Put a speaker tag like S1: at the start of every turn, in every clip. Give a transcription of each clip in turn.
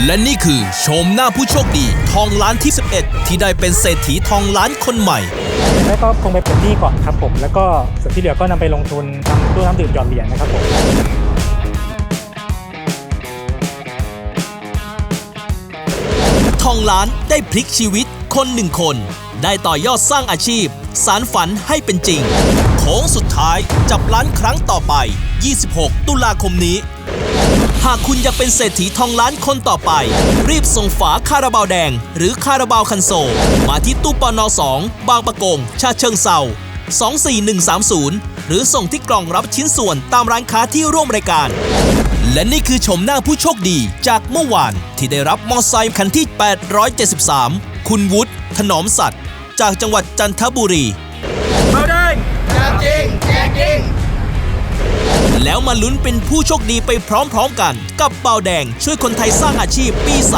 S1: และนี่คือโฉมหน้าผู้โชคดีทองล้านที่ 11 ที่ได้เป็นเศรษฐีทองล้านคนใหม่
S2: แล้วก็คงไปปลดหนี้ก่อนครับผมแล้วก็ส่วนที่เหลือก็นำไปลงทุนทำตู้น้ำดื่มหยอดเหรียญนะครับผม
S1: ทองล้านได้พลิกชีวิตคนหนึ่งคนได้ต่อยอดสร้างอาชีพสารฝันให้เป็นจริงโค้งสุดท้ายจับล้านครั้งต่อไป26 ตุลาคมนี้หากคุณอยากเป็นเศรษฐีทองล้านคนต่อไปรีบส่งฝาคาราบาวแดงหรือคาราบาวคันโซลมาที่ตู้ปน2 บางปะกงฉะเชิงเทรา24130หรือส่งที่กล่องรับชิ้นส่วนตามร้านค้าที่ร่วมรายการและนี่คือชมหน้าผู้โชคดีจากเมื่อวานที่ได้รับมอไซค์คันที่873คุณวุฒิถนอมสัตย์จากจังหวัดจันทบุรี
S3: เบาแดงแจกจริงแจกจริง
S1: แล้วมาลุ้นเป็นผู้โชคดีไปพร้อมๆกันกับเบาแดงช่วยคนไทยสร้างอาชีพปี 3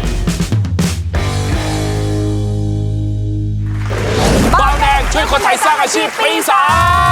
S4: เบาแดงช่วยคนไทยสร้างอาชีพปี 3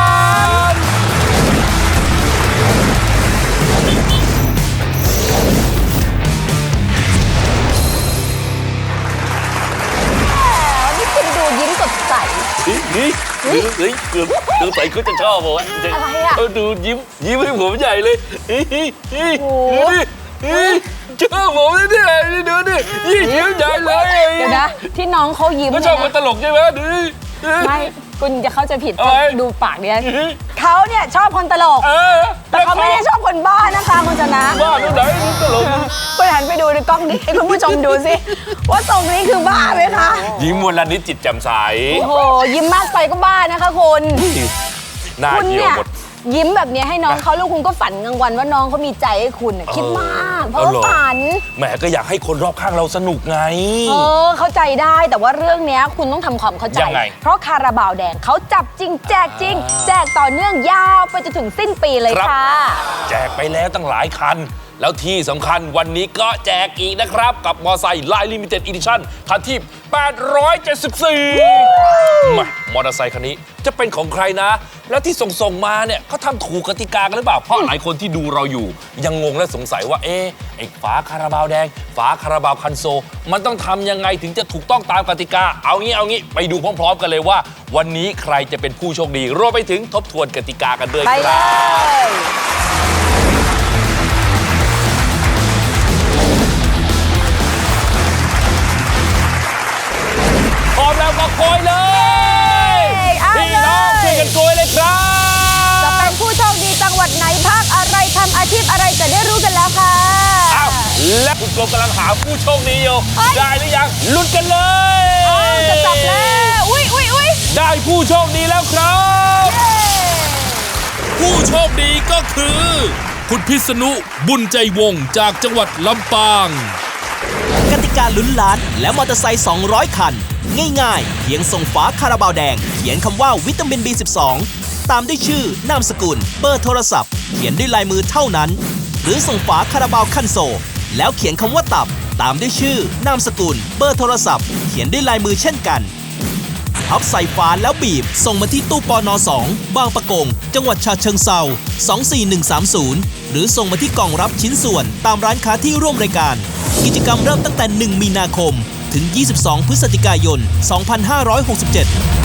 S5: ยิ้มสดใส
S4: เกือบใส่ก็จะชอบผม
S5: อะไรอ่ะ
S4: ดูยิ้มให้ผมใหญ่เลยดูดิชอบผมเนี่ยดูดิยิ้มใหญ่เลย
S5: เดี๋ยวนะที่น้องเขายิ้ม
S4: ก็ชอบคนตลกใช่ไหมดู
S5: ไม่คุณจะเข้าใจผิดดูปากเนี่ยเขาเนี่ยชอบคนตลกแต่เขาไม่ได้ชอบคนบ้านะคะคุณชนะ
S4: บ้าดูไหนดูตลก
S5: คุณหันไปดูในกล้องนี้ให้คุณผู้ชมดูสิว่าทรงนี้คือบ้าไหมคะ
S4: ยิ้มวันละนิดจิตแจ่มใส
S5: โอ้โหยิ้มมากไปก็บ้านะคะคุณ
S4: หน้าเหี่ยวหมด
S5: ยิ้มแบบนี้ให้น้องเขาแล้วคุณก็ฝันกลางวันว่าน้องเขามีใจให้คุณคิดมากเพราะว่าฝัน
S4: แหมก็อยากให้คนรอบข้างเราสนุกไง
S5: เข้าใจได้แต่ว่าเรื่องนี้คุณต้องทำความเข้าใจเพราะคาราบาวแดงเขาจับจริงแจกจริงแจกต่อเนื่องยาวไปจนถึงสิ้นปีเลยค่ะ
S4: แจกไปแล้วตั้งหลายคันแล้วที่สำคัญวันนี้ก็แจกอีกนะครับกับมอไซค์ไลน์ลิมิเต็ดอีดิชั่นคันที่874มอเตอร์ไซค์คันนี้จะเป็นของใครนะแล้วที่ส่งมาเนี่ยเขาทำถูกกติกากันหรือเปล่าเพราะหลายคนที่ดูเราอยู่ยังงงและสงสัยว่าไอ้ฝาคาราบาวแดงฝาคาราบาวคันโซมันต้องทำยังไงถึงจะถูกต้องตามกติกาเอางี้ไปดูพร้อมๆกันเลยว่าวันนี้ใครจะเป็นผู้โชคดีรวมไปถึงทบทวนกติกากันด้วยครับพร้อมแล้วก็โกยเลยพี่น้องช่วยกันโกยเลยครับ
S5: จะเป็นผู้โชคดีจังหวัดไหนภาคอะไรทำอาชีพอะไรจะได้รู้กันแล้วค่ะ
S4: และคุณกรมกำลังหาผู้โชคดีอยู่ได้หรือยังลุ้นกันเลย
S5: จะจับแล้วอุ้ย
S4: ได้ผู้โชคดีแล้วครับ
S1: ผู้โชคดีก็คือคุณพิษณุบุญใจวงศ์จากจังหวัดลำปางกติกาลุ้นล้านและมอเตอร์ไซค์200 คันง่ายๆเพียงส่งฝาคาราบาวแดงเขียนคำว่าวิตามิน B12 ตามด้วยชื่อนามสกุลเบอร์โทรศัพท์เขียนด้วยลายมือเท่านั้นหรือส่งฝาคาราบาวคันโซแล้วเขียนคำว่าตับตามด้วยชื่อนามสกุลเบอร์โทรศัพท์เขียนด้วยลายมือเช่นกันพับใส่ฝาแล้วบีบส่งมาที่ตู้ปน2 บางปะกงจังหวัดฉะเชิงเทรา24130หรือส่งมาที่กล่องรับชิ้นส่วนตามร้านค้าที่ร่วมรายการกิจกรรมเริ่มตั้งแต่1 มีนาคมถึง22 พฤศจิกายน 2567